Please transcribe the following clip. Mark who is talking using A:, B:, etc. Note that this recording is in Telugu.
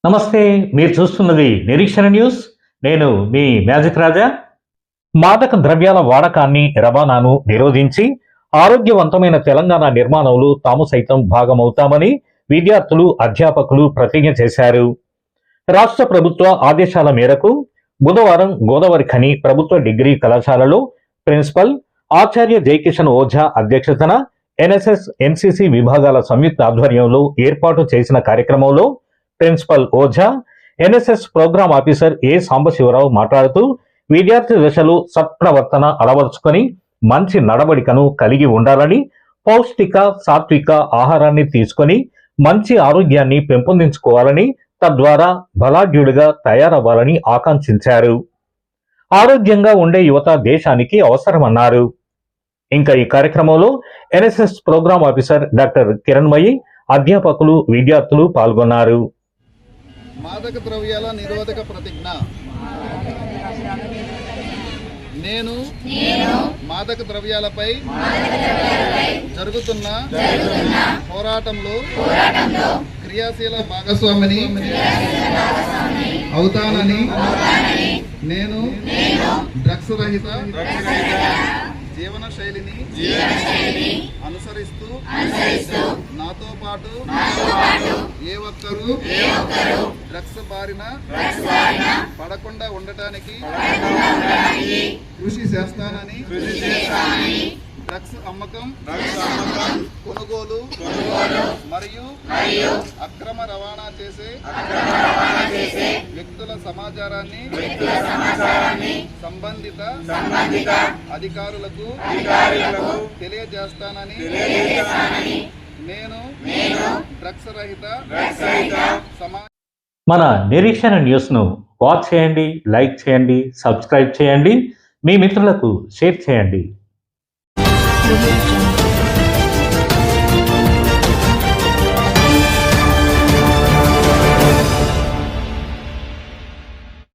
A: నమస్తే, మీరు చూస్తున్నది నిరీక్షణ న్యూస్. నేను మీ మ్యాజిక్ రాజా. మాదక ద్రవ్యాల వాడకాన్ని, రవాణాను నిరోధించి ఆరోగ్యవంతమైన తెలంగాణ నిర్మాణంలో తాము సైతం భాగమవుతామని విద్యార్థులు, అధ్యాపకులు ప్రతిజ్ఞ చేశారు. రాష్ట్ర ప్రభుత్వ ఆదేశాల మేరకు బుధవారం గోదావరి ఖని ప్రభుత్వ డిగ్రీ కళాశాలలో ప్రిన్సిపల్ ఆచార్య జయకిషన్ ఓఝా అధ్యక్షతన ఎన్ఎస్ఎస్, ఎన్సిసి విభాగాల సంయుక్త ఆధ్వర్యంలో ఏర్పాటు చేసిన కార్యక్రమంలో principal Ojha, NSS programme officer A Sambasivarao మాట్లాడుతూ విద్యార్థి దశలో సత్ప్రవర్తన అలవర్చుకొని మంచి నడవడికను కలిగి ఉండాలని, పౌష్టిక సాత్విక ఆహారాన్ని తీసుకొని మంచి ఆరోగ్యాన్ని పెంపొందించుకోవాలని, తద్వారా బలాఢ్యుడిగా తయారవ్వాలని ఆకాంక్షించారు. ఆరోగ్యంగా ఉండే యువత దేశానికి అవసరమన్నారు. ఇంకా ఈ కార్యక్రమంలో NSS programme officer doctor Kiranmayi, అధ్యాపకులు, విద్యార్థులు పాల్గొన్నారు.
B: మాదక ద్రవ్యాల నిరోధక ప్రతిజ్ఞ. నేను మాదక ద్రవ్యాలపై జరుగుతున్న పోరాటంలో క్రియాశీల భాగస్వామిని అవుతానని, నేను డ్రగ్స్ రహిత జీవన శైలిని అనుసరిస్తూ నాతో పాటు ఏ ఒక్కరూ డ్రగ్స్ బారిన పడకుండా ఉండటానికి కృషి చేస్తానని, డ్రగ్స్ అమ్మకం, కొనుగోలు మరియు అక్రమ రవాణా చేసే వ్యక్తుల సమాచారాన్ని సంబంధిత అధికారులకు తెలియజేస్తానని, నేను డ్రగ్స్ రహిత
A: మన నిరీక్షణ న్యూస్ ను వాచ్ చేయండి, లైక్ చేయండి, సబ్స్క్రైబ్ చేయండి, మీ మిత్రులకు షేర్ చేయండి.